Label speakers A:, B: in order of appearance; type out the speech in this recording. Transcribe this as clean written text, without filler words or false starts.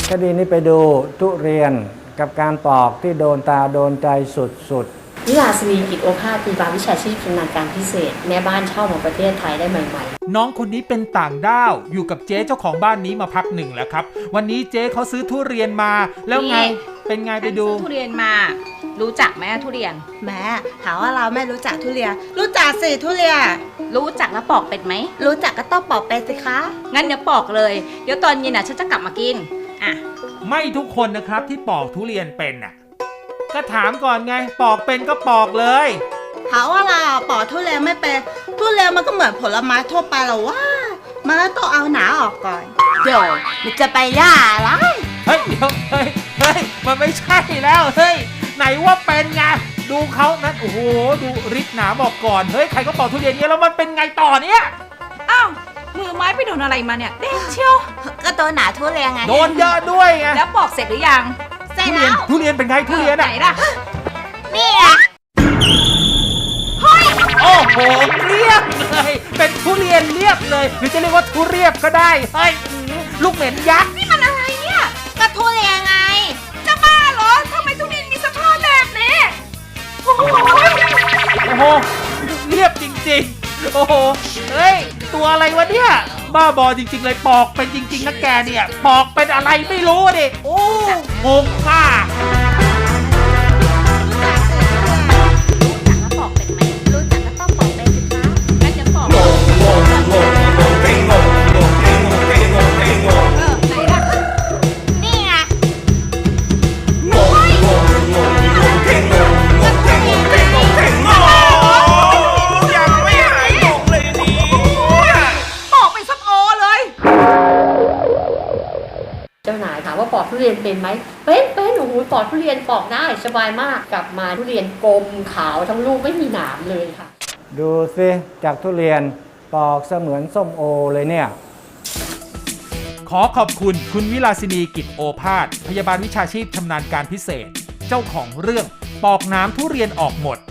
A: คดีนี้ไปดูทุเรียนกับการปอกที่โดนตาโดนใจสุด
B: วิลาสินีกิจโอภาสพยาบาลวิชาชีพชำนาญการพิเศษแม่บ้านเช่าของประเทศไทยได้ใหม่ๆ
C: น้องคนนี้เป็นต่างด้าวอยู่กับเจ๊เจ้าของบ้านนี้มาพักหนึ่งแล้วครับวันนี้เจ๊เขาซื้อทุเรียนมาแล้วไงเป็นไงไปดู
D: ทุเรียนมารู้จักไหมทุเรียน
E: แม่ถามว่าเราไม่รู้จักทุเรียนรู้จักสิทุเรียน
D: รู้จักแล้วปอกเป็ดไหม
E: รู้จักก็ต้องปอกเป็ดสิคะ
D: งั้นเดี๋ยวปอกเลยเดี๋ยวตอนเย็นฉันจะกลับมากินอ่ะ
C: ไม่ทุกคนนะครับที่ปอกทุเรียนเป็นน่ะก็ถามก่อนไงปอกเป็นก็ปอกเลย
E: ถามว่าเราปอกทุเรียนไม่เป็นทุเรียนมันก็เหมือนผลไม้ทั่วไปหรอว่ามันก็ต้องเอาหนาออกก่อนเดี๋ยวมันจะไปย่าอะไร
C: เฮ้ยเดี๋ยวเฮ้ยมันไม่ใช่แล้วเฮ้ยไหนว่าเป็นไงดูเขานั้นโอ้โหดูริดหนาบอกก่อนเฮ้ยใครก็ปอกทุเรียนเนี้ยแล้วมันเป็นไงต่อเนี้ย
D: อ้าวมือไม้ไปโดนอะไรมาเนี่ยเด้งเชียว
E: ก็โดนหนาทุเรียนไง
C: โดนเยอะด้วยไง
D: แล้วปอกเสร็จหรือยัง
E: เสร็จแล้ว
C: ทุเรียนเป็นไงทุเรียน
D: ไหนล่ะ
E: นี่อ่ะ
C: โอ้โหเรียบเลยเป็นทุเรียนเรียบเลยหรือจะเรียกว่าทุเรียบก็ได้เฮ้ยลูกเหม็นยักษ์
D: นี่มันอะไรเนี่ย
E: ก็ทุเรียนไง
D: จะบ้าเหรอทำไมทุเรียนมีสภาพแบบนี้โอ้
C: โหเรียบจริงๆโอ้โหเฮ้ยตัวอะไรวะเนี่ยบ้าบอจริงๆเลยปอกเป็นจริงๆนะแกเนี่ยปอกเป็นอะไรไม่รู้ดิโอ้งงมาก
B: เจ้านายถามว่าปอกทุเรียนเป็นไหมเป็นโอ้โหปอกทุเรียนปอกได้สบายมากกลับมาทุเรียนกลมขาวทั้งลูกไม่มีหนามเลยค่ะ
A: ดูสิจากทุเรียนปอกเสมือนส้มโอเลยเนี่ย
C: ขอขอบคุณคุณวิลาสินีกิจโอภาสพยาบาลวิชาชีพชำนาญการพิเศษเจ้าของเรื่องปอกน้ำทุเรียนออกหมด